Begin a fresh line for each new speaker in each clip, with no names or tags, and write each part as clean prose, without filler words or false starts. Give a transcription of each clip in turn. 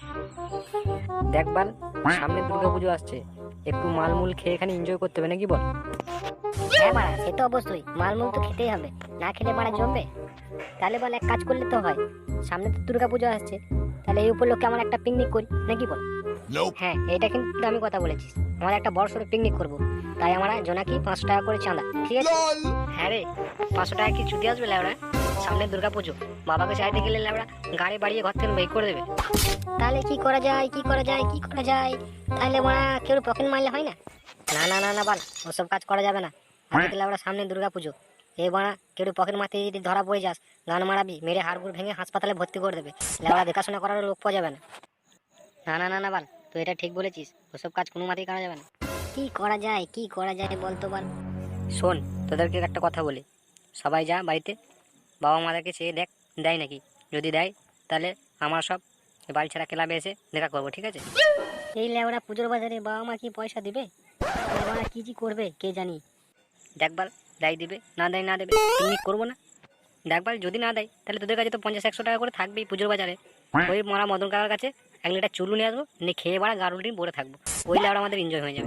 দেখবার সামনে দুর্গাপুজো আসছে, একটু মালমূল খেয়ে এখানে এনজয় করতে হবে নাকি বল?
হ্যাঁ বাড়া, সে তো অবশ্যই, মালমূল তো খেতেই হবে, না খেলে বাড়া জমবে। তাহলে বল এক কাজ করলে তো হয়, সামনে তো দুর্গাপুজো আসছে, তাহলে এই উপলক্ষে আমরা একটা পিকনিক করি নাকি বল? হ্যাঁ, এটা কিন্তু আমি কথা বলেছি, আমরা একটা বড় সড়ো পিকনিক করবো, তাই আমরা জোনাকি 500 টাকা করে চাঁদা, ঠিক আছে?
হ্যাঁ রে, 500 টাকা কি চুদি আসবে ল্যাবড়া? সামনে দুর্গাপুজো, বাবাকে চাইতে গেলে ল্যাবড়া গাড়ি বাড়িয়ে ঘর থেকে বের করে দেবে।
তাহলে কি করা যায়, কি করা যায়, কি করা যায়? তাহলে বাড়া কেউ পকেট মারলে হয় না?
না না না না বল, ওসব কাজ করা যাবে না। আগে তো ল্যাবড়া সামনে দুর্গাপুজো, এ বাড়া কেউ পকেট মারতে যদি ধরা পড়ে যাস, গান মারাবি, মেরে হাড়গুড় ভেঙে হাসপাতালে ভর্তি করে দেবে, ল্যাবড়া দেখাশোনা করার লোক পাওয়া যাবে না। না না না না বল, তুই এটা ঠিক বলেছিস, ওসব কাজ কোনো মতেই করা যাবে না।
কি করা যায়, কি করা যায় বলতো বল?
শোন, তোদেরকে একটা কথা বলি, সবাই যা বাড়িতে, বাবা মাদেরকে চেয়ে দেখ দেয় নাকি, যদি দেয় তাহলে আমরা সব বাড়ি ছাড়া ক্লাবে এসে দেখা করবো, ঠিক আছে?
এই লেওরা পুজোর বাজারে বাবা মা কি পয়সা দিবে? বাবা কি কি করবে কে জানি।
দেখবার দেয় দিবে, না দেয় না দেবে, পিকনিক করবো না। দেখবার যদি না দেয় তাহলে তোদের কাছে তো 50-100 টাকা করে থাকবেই পুজোর বাজারে, ওই মরা মদন কাকার কাছে 1 লিটার চুলু নিয়ে আসবো, নিয়ে খেয়ে বাড়া গাড়ুল ডিম পরে থাকবো, ওই লেওরা আমাদের এনজয় হয়ে যাবে।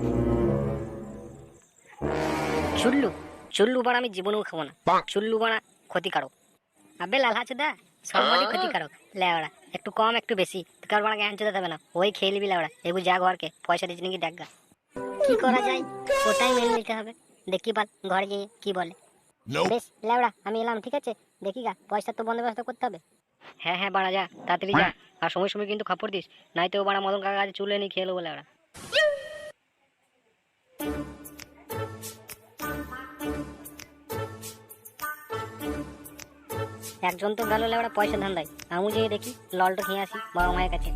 চুল্লু, চুল্লু বাড়া আমি জীবনেও খাবো না, চুল্লু বাড়া ক্ষতিকারক। আবে লাল হাচুদা, সবই ক্ষতিকারক। লেওড়া একটু কম একটু বেশি কার বাড়া জ্ঞান চোদা দেবে না, ওই খেয়ে নিবি লেওড়া, এগু যা ঘরকে পয়সা দিচ্ছি নাকি দেখা। কি করা যায় ওটাই মেনে নিতে হবে, দেখি বাল ঘরে গিয়ে কি বলে। বেশ লেওড়া আমি এলাম, ঠিক আছে? দেখি গা পয়সা তো বন্দোবস্ত করতে হবে।
হ্যাঁ হ্যাঁ বাড়া, যা তাড়াতাড়ি যা, আর সময় সময় কিন্তু খাপড় দিস, নাই তো বাড়া মদন কাকার কাছে চুলে নিয়ে খেয়ে নেবো লেওড়া।
একজন তো গেল লেওড়া পয়সা ধান্দায়, আমি যেয়ে দেখি ললটা খেয়ে আসি বাবা মায়ের কাছে।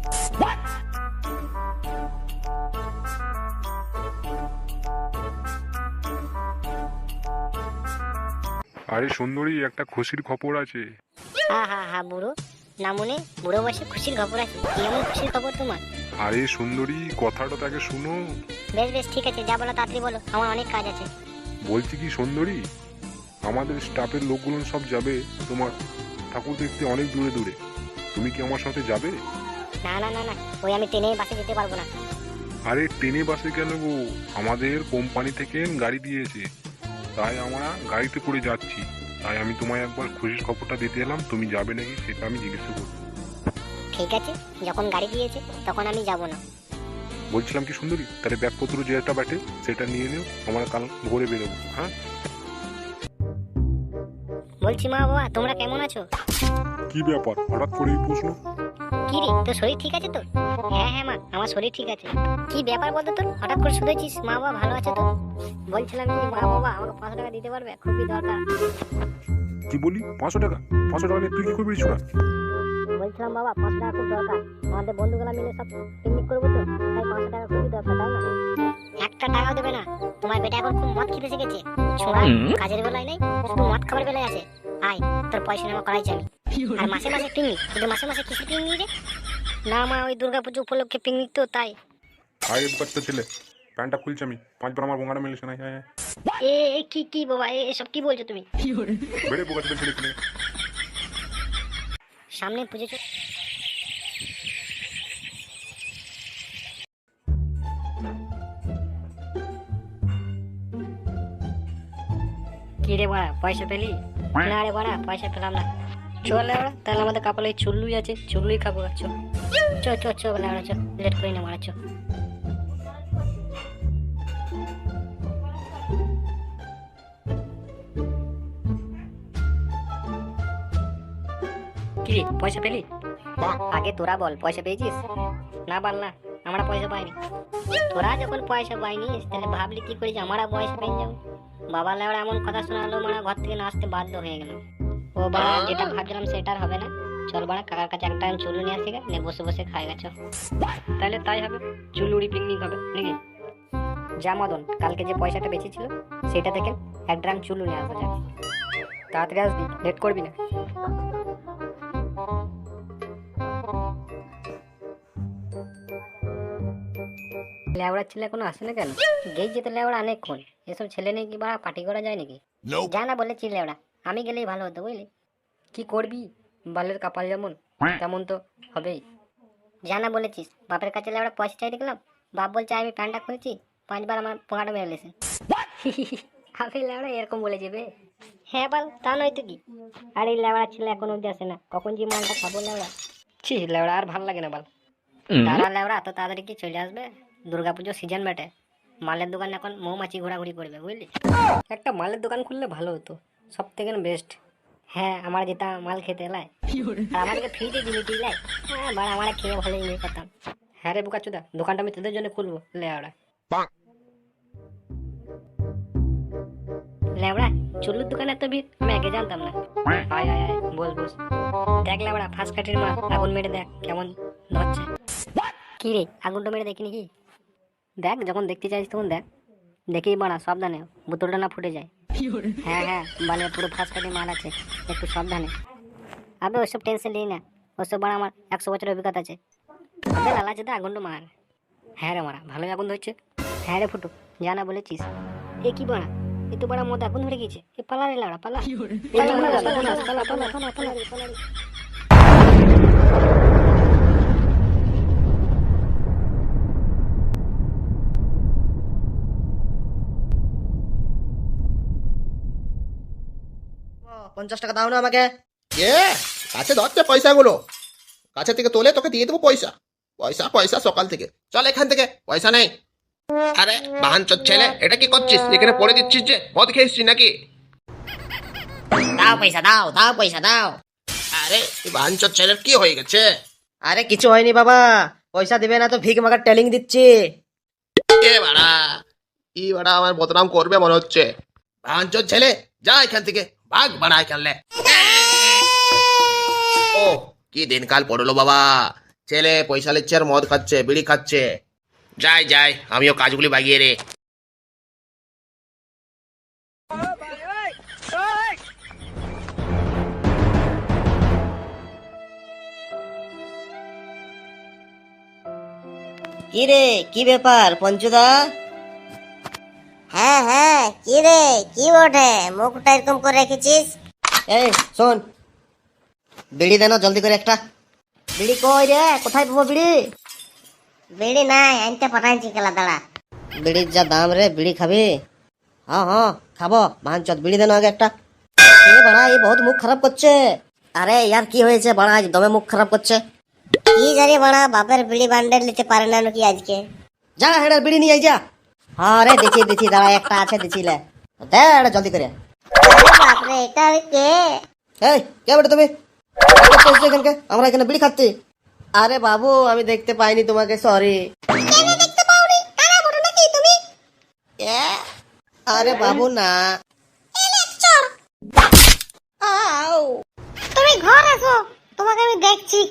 আরে সুন্দরী, একটা খুশির খবর আছে।
হা হা হা বুড়ো, না মনে বুড়ো বয়সে খুশির খবর আছে, কি এমন খুশির খবর তোমার?
আরে সুন্দরী, কথাটা তাকে শুনো।
বেশ বেশ ঠিক আছে, যা বলো তাড়াতাড়ি বলো, আমার অনেক কাজ আছে।
বলছি কি সুন্দরী, আমাদের স্টাফের লোকগুলো সব যাবে তোমার ঠাকুর দেখতে অনেক দূরে দূরে, তুমি কি আমার সাথে যাবে?
না না না না, ওই আমি ট্রেনে বাসে যেতে পারবো না।
আরে ট্রেনে বাসে কেন গো, আমাদের কোম্পানি থেকে গাড়ি দিয়েছে, তাই আমরা গাড়িতে করে যাচ্ছি। তাই আমি তোমায় একবার খুশির খবরটা দিতে এলাম, তুমি যাবে নাকি সেটা আমি জিজ্ঞাসা করব।
ঠিক আছে, যখন গাড়ি দিয়েছে তখন আমি যাব না।
বলছিলাম কি সুন্দরী, তাহলে ব্যাগপত্র যেটা বাটে সেটা নিয়ে নিও, আমরা কাল ভোরে বেরোবো। হ্যাঁ,
বলছি মা বাবা তোমরা কেমন আছো?
কি ব্যাপার হঠাৎ করে এই প্রশ্ন?
কি রে তোর শরীর ঠিক আছে তো? হ্যাঁ হ্যাঁ মা, আমার শরীর ঠিক আছে। কি ব্যাপার বলতো তোর, হঠাৎ করে শুনেছিস মা বাবা ভালো আছে তো? বলছিলাম কি মা বাবা আমাকে 500 টাকা দিতে পারবে, খুবই দরকার।
কি বলি 500 টাকা? 500 টাকা নিয়ে তুই কি করবি ছোড়া?
বলছিলাম বাবা 500 টাকা খুব দরকার, আমাদের বন্ধুগুলা মিলে সব পিকনিক করবো তো, তাই 500 টাকা খুবই দরকার, তাই না? একটা টাকাও দেবে না, তোমার বেটা এখন খুব মদ খেতে শিখেছে, ছোড়া কাজের বেলায় নেই, শুধু মদ খাবার বেলায় আছে। আয় তোর পয়সা নেওয়া করাইছি আমি। আর মাসে মাসে পিকনিক, কিন্তু মাসে মাসে কিসের পিকনিক রে? না মা, ওই দুর্গাপুজো উপলক্ষে পিকনিক তো, তাই।
আয় বাচ্চা ছেলে, প্যান্টটা খুলছি আমি, 5 বার আমার বোঙাটা মিলিস না। হ্যাঁ,
এ এ, কি কি বাবা, এসব কি বলছো তুমি?
বেড়ে বোকা ছেলে ছেলে ছেলে।
সামনে পুজো
কি রে বাড়া, পয়সা পেলি?
না রে বাড়া, পয়সা পেলাম না।
চল লেওড়া, তাহলে আমাদের কপালে চুল্লুই আছে, চুল্লুই খাবো। চো
চো চো চো বলে চো, লেট করি না মারা, চো।
কি রে, পয়সা পেলি?
আগে তোরা বল পয়সা পেয়েছিস?
না বল না, আমরা পয়সা পাইনি।
তোরা যখন পয়সা পাইনিস তাহলে ভাবলি কি করে যে আমরা পয়সা পেয়ে যাবো? বাবা লেওড়া এমন কথা শোনালো, মানে ঘর থেকে না আসতে বাধ্য হয়ে গেল। ও বাবা, যেটা ভাবছিলাম সেটার হবে না, চল বাড়া কাকার কাছে একটা চুলু নিয়ে আসি গা, নিয়ে বসে বসে খাই গেছো।
তাহলে তাই হবে, চুলুড়ি পিকনিক হবে নাকি? যা মদন, কালকে যে পয়সাটা বেঁচেছিল সেটা থেকে 1 ড্রাম চুলু নিয়ে আসা যায়, তাড়াতাড়ি আসবি, লেট করবি না। লেওড়ার ছেলে এখনো আসে না কেন?
গেই যেতে লেওড়া অনেকক্ষণ, এসব ছেলে নেই কি বাড়া পার্টি করা যায় নাকি? যা না বলেছি লেওড়া, আমি গেলেই ভালো হতো বুঝলি।
কি করবি, বালের কপাল যেমন তেমন তো হবেই। জানা বলেছিস বাপের কাছে লেবড়া পয়সা চাই দেখলাম, বাপ বলছে আমি প্যান্টটা খুলেছি, 5 বার আমার পোঙাটা মেরে লেছে।
আমি লেবড়া এরকম বলে যাবে?
হ্যাঁ বল, তা নয় তো কি। আর এই লেবড়া ছেলে এখন অব্দি আসে না, কখন যে মালটা খাবো লেবড়া।
ছি লেবড়া আর ভাল লাগে না বল।
তারা লেবড়া এত তাড়াতাড়ি কি চলে আসবে? দুর্গাপুজোর সিজন বেটে, মালের দোকান এখন মৌমাছি ঘোরাঘুরি করবে বুঝলি।
একটা মালের দোকান খুললে ভালো হতো, সব থেকে বেস্ট।
হ্যাঁ, আমার যেটা মাল খেতে এলাই আর আমাদেরকে ফ্রিতে দিবি তুই লাই। হ্যাঁ বাড়া, আমার খেয়ে ভালো ইয়ে করতাম।
হ্যাঁ রে বোকাচোদা, দোকানটা আমি তোদের জন্য খুলবো লেবড়া।
লেবড়া চুল্লুর দোকানে এত ভিড়, আমি আগে জানতাম না।
আয় আয় আয়, বস বস।
দেখ লেবড়া, ফার্স্ট কাঠির মা আগুন মেরে দেখ কেমন ধরছে। কি রে, আগুনটা মেরে দেখিনি কি?
দেখ যখন দেখতে চাইছিস তখন দেখ।
দেখি বাড়া, সাবধানে বোতলটা না ফুটে যায়। হ্যাঁ হ্যাঁ, মানে পুরো ফার্স্ট কাঠির মাল আছে, একটু সাবধানে। আবে ওইসব টেনশন নিই না, ওইসব বাড়া আমার 100 বছরের অভিজ্ঞতা আছে। আবে লালা যেটা আগুনটা মার।
হ্যাঁ রে মারা, ভালোই আগুন ধরছে।
হ্যাঁ রে ফুটু, জানা বলেছিস। এ কি বাড়া, এ তো বাড়া মদ আগুন ধরে গেছে। এ পালা রে লাউড়া, পালা পালা পালা পালা পালা পালা পালা পালা রে, পালা রে।
ও, 50 টাকা দাও না আমাকে।
এ কাছে ধরছে পয়সাগুলো, কাছে থেকে তোলে তোকে দিয়ে দেবো পয়সা। পয়সা পয়সা সকাল থেকে, চল এখান থেকে, পয়সা নেই। আরে বাহানচোদ ছেলে, এটা কি করছিস? এখানে পড়ে দিচ্ছিস যে, মদ খেয়েছিস নাকি?
দাও পয়সা দাও, দাও পয়সা দাও।
আরে এই বাহানচোদ ছেলের কি হয়ে গেছে?
আরে কিছু হয়নি বাবা, পয়সা দিবে না তো ভিক মাগার টেলিং দিচ্ছি।
এ বাড়া, ই বাড়া আমার বদনাম করবে মনে হচ্ছে। বাহানচোদ ছেলে, যা এখান থেকে, ভাগ বাড়া এখানে। ও কি দিনকাল পড়লো বাবা, ছেলে পয়সা নিচ্ছে আর মদ খাচ্ছে, বিড়ি খাচ্ছে। যাই যাই, আমিও কাজগুলি বাগিয়ে রে।
কি রে, কি ব্যাপার পঞ্চুদা?
হ্যাঁ হ্যাঁ, কি রে, কি বটে মুখটা এরকম করে রেখেছিস?
এই শোন, বিড়ি দে না জলদি করে একটা।
বিড়ি কই রে, কোথায় পাবো বিড়ি? বিড়ি নাই, আনতে পাঠাইছি কেলা, দাঁড়া।
বিড়ির যা দাম রে, বিড়ি খাবি? হ্যাঁ হ্যাঁ খাবো, ভাঙচত বিড়ি দে না আগে একটা। এ বাড়া, এই বহুত মুখ খারাপ করছে। আরে ইয়ার কি হয়েছে বাড়া, আজ দমে মুখ খারাপ করছে।
কি জানি বাড়া, বাপের বিড়ি বান্ডেল নিতে পারে না নাকি আজকে?
যা হেডার বিড়ি নিয়ে আই যা। হ্যাঁ রে, দিচ্ছি দিচ্ছি, দাঁড়া একটা আছে, দিচ্ছি লে দে এটা জলদি করে।
আরে বাপরে, এটা কে?
এই কে বেটা তুমি? এখানকে আমরা এখানে বিড়ি খাচ্ছি। আরে বাবু, আমি দেখতে পাইনি তোমাকে, সরি।
দেখতে পাওনি? কারা বটে নাকি তুমি?
আরে বাবু না। আউ
তুমি ঘর আসো, তোমাকে আমি দেখছি।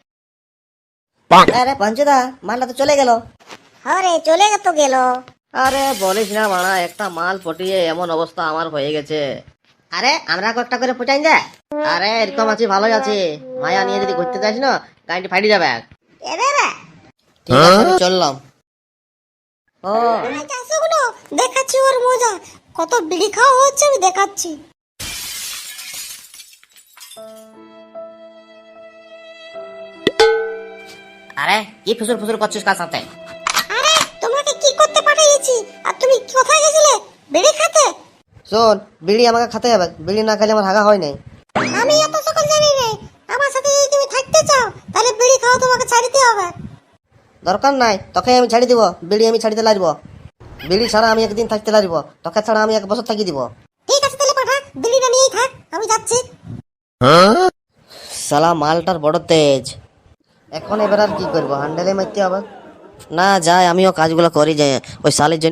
আরে পঞ্চদা, মালটা তো চলে গেল।
আরে চলে তো গেল।
আরে বলিস না মানা, একটা মাল পটিয়ে এমন অবস্থা আমার হয়ে গেছে। আরে আমরা কয়েকটা করে পটাই দে। আরে এরকম আছি, ভালোই আছি। মায়া নিয়ে যদি ঘুরতে যাস না, গাড়িটি ফাটি যাবে।
এরে রে,
ঠিক আছে আমি চললাম। ও
আসো গুলো, দেখাচ্ছি ওর মজা। কত বিড়ি খাওয়া হচ্ছে আমি দেখাচ্ছি।
আরে কি ফুসুর ফুসুর করছিস কার সাথে?
আরে তোমাকে কি করতে পাঠিয়েছি, আর তুমি কোথায় গেছিলে? বিড়ি খেতে?
শোন, বিড়ি আমাকে খেতে হবে, বিড়ি না খেলে আমার হাগা হয় নাই।
আমি এত সকল জানি রে, আমার সাথে যদি তুমি থাকতে চাও তাহলে বিড়ি খাওয়া তোমাকে ছাড়িতে হবে।
দরকার নাই, তোকে আমি ছাড়ি দিব, বিড়ি আমি ছাড়িতে লাগব। বিড়ি ছাড়া আমি একদিন থাকতে লাগব, তোকে ছাড়া আমি 1 বছর থাকি দিব।
ঠিক আছে তাহলে পাঠা, বিড়িটা নিয়েই থাক, আমি যাচ্ছি।
শালা মালটার বড় তেজ। এখন এবার আর কি করবো, হ্যান্ডেলে মারতে হবে। না যায়, আমিও কাজগুলো করি যাই, ওই শালের জন্য